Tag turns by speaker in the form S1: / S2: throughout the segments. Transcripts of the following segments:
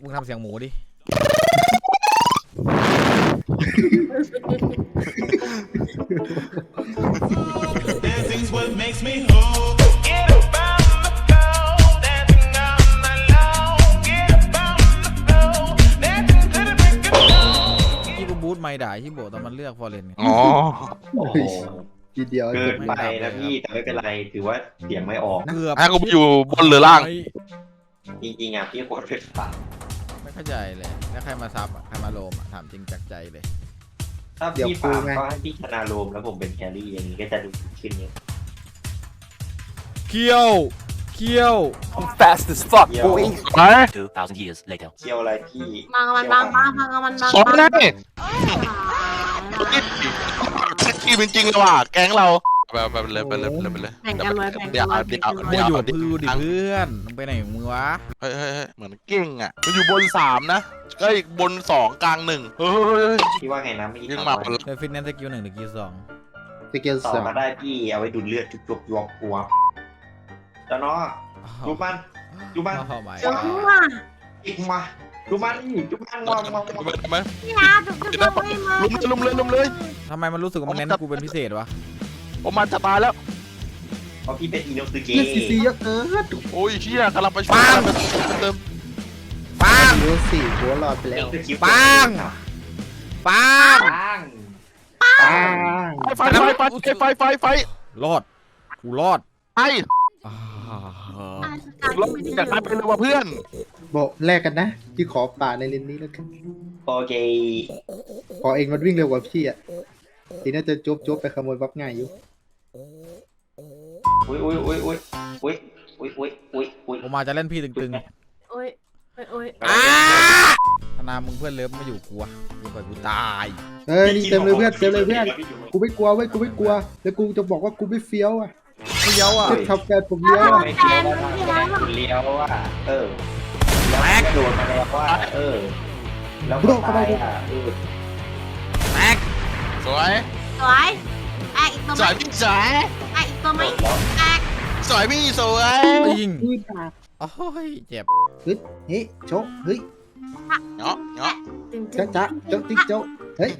S1: มึงทำเสียงหมูดิที่กูบูทไม่ด่าที่โบตอนมันเลือกฟอร์เรนอ๋อ
S2: โอ้โห
S3: ทีเดียว
S2: เกินไปนะพี่แต่ไม่เป็นไรถือว่าเสียงไม่ออก
S1: เกือบ
S4: กูอยู่บนหรือล่าง
S2: จริงๆอ่ะพี่กดเป็นฝัน
S1: ไม่เข้าใจเลยแล้วใครมาซับใครมาโลมถามจริงจากใจเลย
S2: ถ้าพี่ฝากก็ให้พี่ชนะโรมแล้วผมเป็นแครี่อย่างนี้ก็จะดูขึ้นเยอะ
S1: เคี้ยวเคี้ยว
S5: I'm fast as fuck,
S2: เที่ยว
S5: boy.
S4: ไป
S5: 2,000 years later.
S2: เที่ยวอะไรพี่
S6: มันมันบางมันบาง
S4: สองได้ที่เป็นจริงเลยว่ะแก๊งเราไปเลยไปเลยไปเลย
S6: แบ่งกันเลยแบ่ง
S4: เดี๋
S6: กั
S4: ยวน
S6: เลย
S4: เดี๋ยว
S1: มึงอยู่กับพือดิเพื่อนมึงไปไหนของมึงวะ
S4: เฮ้ยเหมือนเก่งอ่ะมันอยู่บน3นะก็อีกบน2กลาง1เฮ้ย
S2: พี่ว่าไงนะไม่
S4: ยัง
S2: ทำ
S4: มา
S2: อะไร
S1: เดี๋ยวฟิตเนสสกิล1หรือกิล2
S3: สเกล
S2: ต่อ
S3: สอง
S2: มาได้พี่เอาไว้ดูดเลือดจุกๆยวกปัวแล้วเนาะดูมันดูมัน
S1: เข้าไป
S6: จังว่ะ
S2: อีกมาดูมันดูมันมอง
S4: ไหม
S6: พี่อาจุกไม่มา
S4: ลุมเลย
S1: ทำไมมันรู้สึกว่ามันเน้นกูเป็นพิเศษวะ
S4: ผมมาจะตายแล้ว
S2: เพราะพี่เป็นอินโนซึเกะ
S3: เลือดซีเยอะเกิน
S4: โอ้ยเชี่ยกำลังไปช่วยเติม
S1: ปัง
S3: เลือดสี่หัวรอดไปแล้ว
S1: ปัง ปัง
S4: ไฟ
S1: รอดกูรอด
S4: ไอ้
S1: อ่าร
S4: ถจากนั้นไปเลยว่ะเพื่อน
S3: บอกแลกกันนะพี่ขอป่าในเลนนี้แล้วกัน
S2: โอเค
S3: ขอเองมันวิ่งเร็วกว่าพี่อ่ะทีน่าจะจบไปขโมยบัฟง่ายอยู่
S2: อุ้ย
S1: ผมมาจะเล่นพี่ตึง
S6: โอ้ยโอ้ย
S1: ๆอ้าธนามึงเพื่อนเลิฟไม่อยู่กูอะกูไปกูตาย
S3: เฮ้ยนี่เต็มเลยเพื่อนเต็มเลยเพื่อนกูไม่กลัวเว้ยกูไม่กลัวแล้วกูจะบอกว่ากูไม่เฟี้ยวอ่ะ
S1: เฟี้ยวอ่ะ
S3: เจ็บขับแฟนผมเลี้ยวอ่ะ
S2: ไม่เลี้ยวเลี้ยวอ่ะแล้วโดนมาแล้วว่าแล้วก็ตายอ่ะ
S1: แม็ก
S4: สวย
S6: สวยแอกอีกตัว
S4: ส
S6: ไหม
S4: วยพี่สวย
S6: แอกอีกตัวไหมแอก
S4: สวยพี่สวย
S1: ยิง
S3: นี่ตา
S1: โอ้ยเจ็บ
S3: เฮ้ยโจ๊ะเฮ้ย
S4: เนาะ
S3: จ๊ะโจ๊ะติ๊กโจ๊ะเฮ้ย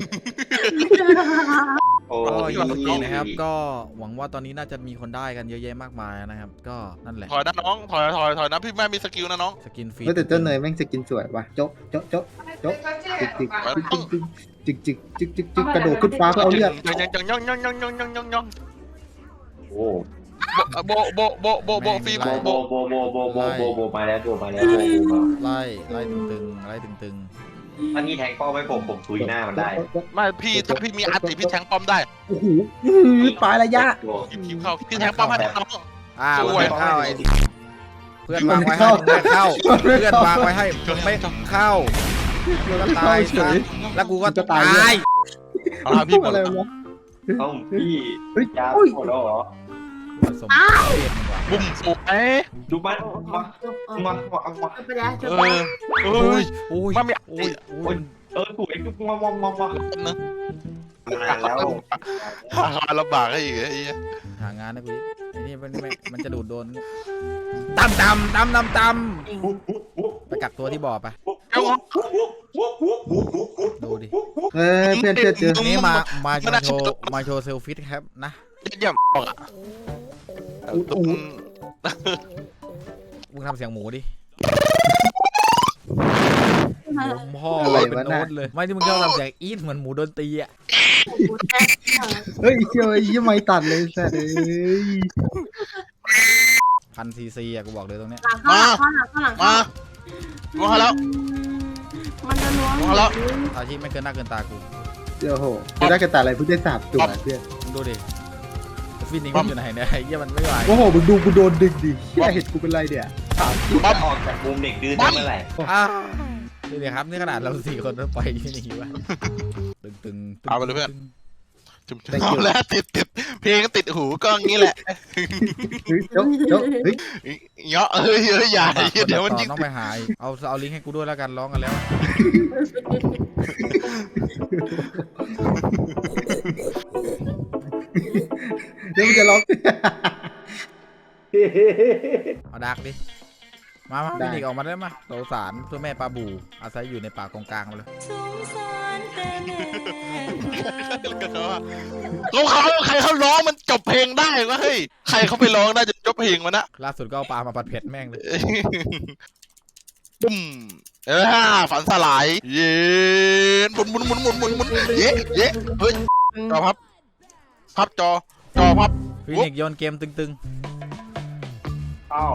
S2: โอ้
S1: ก็
S2: ย
S1: ยิงนะครับก็หวังว่าตอนนี้น่าจะมีคนได้กันเยอะแยะมากมายนะครับก็นั่นแหละ
S4: ถอยนะน้องถอยนะพี่แม่มีสกิลนะน้อง
S1: สกินฟรี
S3: แต่เจ้าเนยแม่งจะกินสวยว่ะโจ๊ะโจ๊ะโจ๊ะโจ๊ะจิกกระโดดขึ้นฟ้าเพื่อเอาเลือด
S4: ยัง
S2: โอ้
S4: โบฟี
S2: โบมาแล้วโบมาแล้ว
S1: ไล่ตึง
S2: ถ้าพี่แทงเป้าไม่ผมทุยหน้ามันได้
S4: ไม่พี่ถ้าพี่มีอาร์ติพี่แทงป้อมได้
S3: โอ้โหปลายระยะ
S4: คิวเข้าพี่แทงป้อมให้น้อง
S1: มันไม่เข้าไอ้เพื่อนวางไว้ให้มึงไม่เข้าเพื่อนวางไว้ให้มึงไม่เข้าก็ตายเฉยแล้วกูก็จะตาย
S4: เอาพี่หมด
S3: อะไร
S4: แล้ว
S3: วะ
S2: ต้องพี่
S3: เฮ้ย
S2: ยา
S3: อุ้ย
S2: หมดแล้วเหรอ
S1: ผสมเทียนว่ะ
S4: บุ้มสวย
S2: ดูมันมา
S6: ไปแล้วจบ
S4: โอ้ย
S1: โอ้ย
S4: มันมี
S1: โอ้ยโอ้ย
S2: ถูกไอ้ทุกมาแล้ว
S4: ลำบากให้อีกไอ้
S1: หางานนะกูไอ้นี่มันจะดูดโดนตำไปกักตัวที่บ่อไปดูดิ
S3: เฮ้ยเพื่อนเจอ
S1: นี่มาโชว์เซลฟี่ครับนะ
S4: เยี่ยมบอกอ่ะ
S1: มึงทำเสียงหมูดิ พ่อ
S3: อะไร
S1: เป็น
S3: วะ
S1: โน้
S3: น่ะ
S1: ตเลยไม่ที่มึงชอบทำเสียงอีทเหมือนหมูโดนตีอ่ะ
S3: เฮ้ยเชื่อยี่ไม่ตัดเลยสัตว์เอ้ย
S1: 1,000 ซีอ่ะกูบอกเลยตรงเนี้ย
S6: หลังข้างหลัง
S4: มาล้วงแล้ว
S6: มันจะล้วง
S1: อาชีพไม่เกินหน้าเกินตากู
S3: เดี๋ยวโหจะได้กระต่ายอะไรเพิ่งได้3 ตัวเพื่อน
S1: มึงดูดิฟินนี่มันอยู่ไหนเนี่ยไอ้เหี้ยมันไม่ไหว
S3: โอ้โหมึงดูกูโดนดึงดิเหี้ยเห็นกูเป็นไรเนี่ยถามจริง
S2: ป้อมออกจากมุมเด็กดื้อได้เมื่อไหร่
S1: ดูดิครับนี่ขนาดเรา4 คนต้องไปที่นี่วะตึง
S4: เอาไปเลยเพื่อนเอาแล้วติดเพลงก็ติดหูก็งี้แหละ
S3: เฮ้ยโจ๊ะเฮ้ย
S4: เงาะอย่าเดี๋ยวมันยิง
S1: ต้องไปหาเอาลิงก์ให้กูด้วยแล้วกันร้องกันแล้ว
S3: เดี๋ยวมันจะร้อง
S1: เอาดักดิมา
S3: ได้
S1: พี่นิกออกมาได้ไหมสงสารตัวแม่ปลาบูอาศัยอยู่ในป่ากงกลางมาเลย
S4: เขาใครเขาร้องมันจบเพลงได้วะเฮ้ยใครเขาไปร้องได้จะจบเพลงมันนะ
S1: ล่าสุดก็เอาปลามาผัดเผ็ดแม่งเลย
S4: ปุ้มฝันสลายเย็นหมุนเย้เฮ้ยจอพับจอพับ
S1: พี่นิกโยนเกมตึง
S2: อ้าว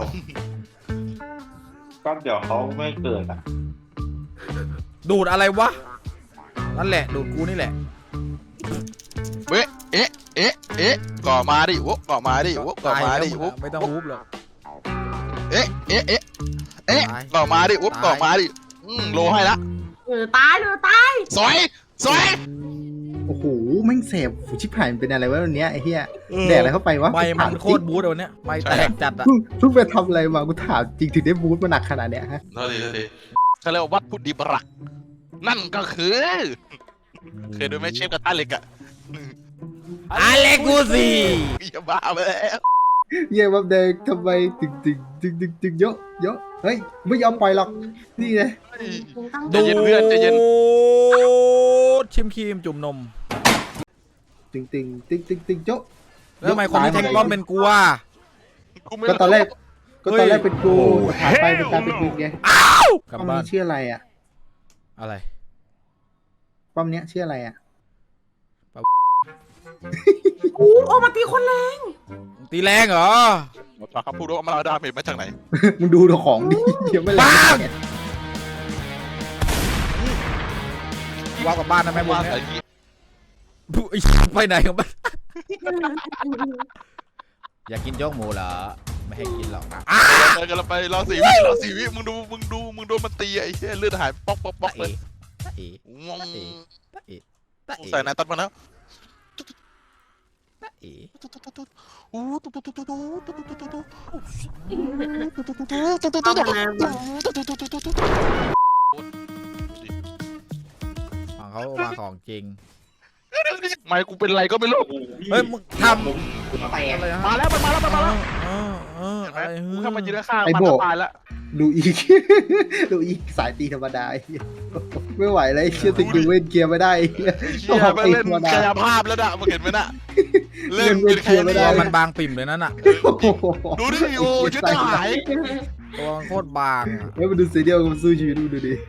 S2: ก็เดี๋ยวเขาไม่เกิดอ่ะ
S1: ๆดูดอะไรวะนั่นแหละดูดกูนี่แหละ
S4: เอ๊ะก่อมาดิวก่อมาดิวก่อมาดิว
S1: ไม่ต้องฮูบหรอก
S4: เอ๊ะก่อมาดิวก่อมาดิโลให้ละ
S6: ตายตาย
S4: สวย
S3: โอ้โหแม่งเสพชิบหายมันเป็นอะไรวะวันเนี้ยไอ้เหี้ยแดกอะไรเข้าไปวะ
S1: ไม่มันโคตรบู๊ดวันเนี้ยไม่แตกจัดอะ
S3: เพิ่งไปทำอะไรมากูถามจริงถึงได้บูทมาหนักขนาดเนี้ยฮะ
S4: เท่าทีเขาเรียกว่าวัดพุทธิบรักนั่นก็คือเคยดูไหมเชฟกระทะเหล็กอะ
S1: อาเลกูซี
S4: อย่าบ้าไปแล้ว
S3: เยี่ยมแดงทำไมถึงเยอะเฮ้ยไม่ยอมปล่อยหรอกนี่เลย
S4: ใจเย็นเพื่อนใจเย็น
S1: ชิมครีมจุ่มนม
S3: ตึงเยอะ
S1: แล้วทำไมคนที่แทงป้อมเป็นกูวะ
S3: ก็ตอนแรกเป็นกูผ่านไปเป็นการเป็นมึงไง
S1: กลับ
S3: ป้อม
S1: บ้าน
S3: นี้ชื่ออะไรอ่ะ
S1: อะไร
S3: ป้อมเนี้ยชื่ออะไรอ่ะ
S6: โอ้มาตีคนแรง
S1: ตีแรงเหรอ
S4: หมอปลาเขาพูดว่ามันเอาดาเมจมาจากไหน
S3: มึงดูของดิยังไม่แรง
S1: ว่ากลับบ้านนะแม่บุญ
S4: ว่า
S1: เนี่ย
S4: ใส่กี้
S1: ไปไหนของบ้านอยากกินโจ๊กหมูเหรอไม่ให้กินหรอกนะ
S4: เดินกันไปรอ4 วิมึงดูมันตีไอ้เหี้ยเลือดหายป๊อกเลย
S1: ตะเอ๋
S4: งง
S1: ตะเอ๋ตะเอ๋
S4: ใส่นายตัดมาแล้ว
S1: ตะเอ๋ ฝั่งเขามาของจริง
S4: ไม่กูเป็นไรก็ไม่รู้
S1: เฮ้ยมึงทำ
S2: แตก
S1: อะไรฮะ
S4: มาแล้ว
S1: อะไร
S4: กูเข้ามายืนข้าง
S3: ไอ้
S4: มัน
S3: โบ
S4: ตายแล้ว
S3: ดูอีก ดูอีกสายตีธรรมดาไม่ไหวแล้วเชื่อติกูเว้นเกียร์ไม่ได้
S4: เชี่ยไปเล่นกายภาพแล้วน่ะมึงเห็นไหมน่ะเล่นเป็นใคร
S3: ไม่
S1: ตั
S3: ได้
S1: วมันบางปิ่มเลยนั่นน่ะ
S4: ดูดิโอ้ชุดทหาร
S1: ตัวมันโคตรบางอะ
S3: แล้วมาดูสีเดียวกับสู้ชีวิตดูดิ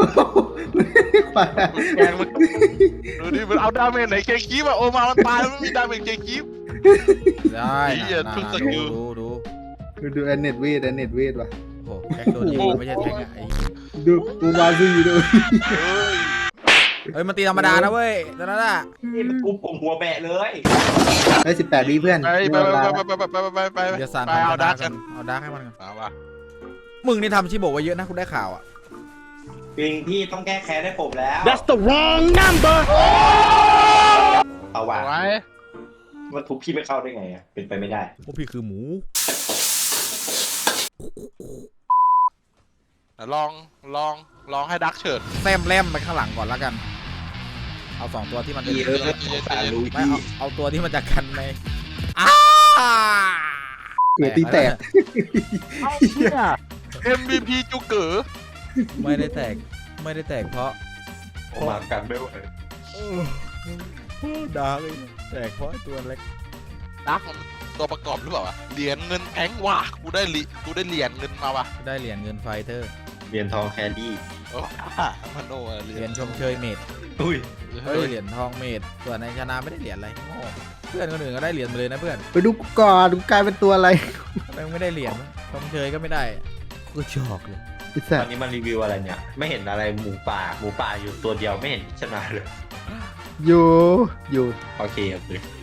S4: แกงมันดูดิมันเอาดาเมจไหนเกคีบอะโอมามันตายมันไม่มีดาเมจเกคีบ
S1: ได้
S4: ไอ้เหี้ย
S1: นะ
S4: ทุกสกิล
S3: ดูแอนเน็ตเวทว่ะ
S1: โอ้โหแท็กโดนยิงมันไม่ใช่แท็กอะไอ้
S3: ดูอูมาซูอยู่ดู
S1: เฮ้ยมันตีธรรมดานะเว้ยตอนนั้นอะ
S2: นี่มันกูผมหัวแบะเลย
S3: ได้18วิเพื่อน
S4: ไป
S1: เดี๋ยวสาร
S4: ไป
S1: ทำ
S4: เอา
S1: ช
S4: ดั
S1: นะ
S4: ก
S1: กั
S4: กัน น
S1: เอาดาร์กให้มันกัน
S4: เอาวะ
S1: มึงนี่ทำชิโบะไว้เยอะนะคุณได้ข่าวอะ
S2: ปิงพี่ต้องแก้แค้นให้ผมแล้ว
S5: That's the wrong number.
S2: เอาว่ะ
S4: เอาไว้
S2: ว่าทุบพี่ไม่เข้าได้ไงอ่ะเป็นไปไม่ได้
S1: พวกพี่คือหมู
S4: ลองให้ดักเฉิด
S1: แซมแลมไปข้างหลังก่อนแล้วกัน เอา2ตัวที่มัน
S2: พี่สารรู้
S1: ไม่
S2: พี่
S1: เอาตัวที่มันจะกันในอ้า
S3: เกือบตีแตก
S4: MVP จูเก๋อ
S1: ไม่ได้แตกเพราะ
S2: ออกมากันไม่ไหว
S1: ดาร์กเลยแตกเพราะไอ้ตัวเล็ก
S4: ดักมันตัวประกอบหรือเปล่าวะเหรียญเงินแพงว่ะกูได้เหรียญเงินมาว่ะ
S1: ได้เหรียญเงินไฟเตอร์
S2: เรียนทองแคนดี้
S4: โอ้มันโอ้เห
S1: เห
S4: รี
S1: รี
S4: ย
S1: ย
S4: ญ
S1: ญชมเชยเมด
S2: อุ้ย
S1: เฮ้ยเหรียญทองเมดส่วนในชนะไม่ได้เหรียญอะไรโง่เพื่อนคนอื่นก็ได้เหรียญไปเลยนะเพื่อน
S3: ไปดูก่อนดูกลายเป็นตัวอะไร
S1: ทำไมไม่ได้เหรียญวะชมเชยก็ไม่ได้กูชอกเลย
S3: ไอ้สั
S2: ต
S3: ต
S2: อน
S3: ว์
S2: นี้มันรีวิวอะไรเนี่ย ไม่เห็นอะไรหมูป่าอยู่ตัวเดียวไม่เห็นชนะเลย
S3: อยู่
S2: โอเค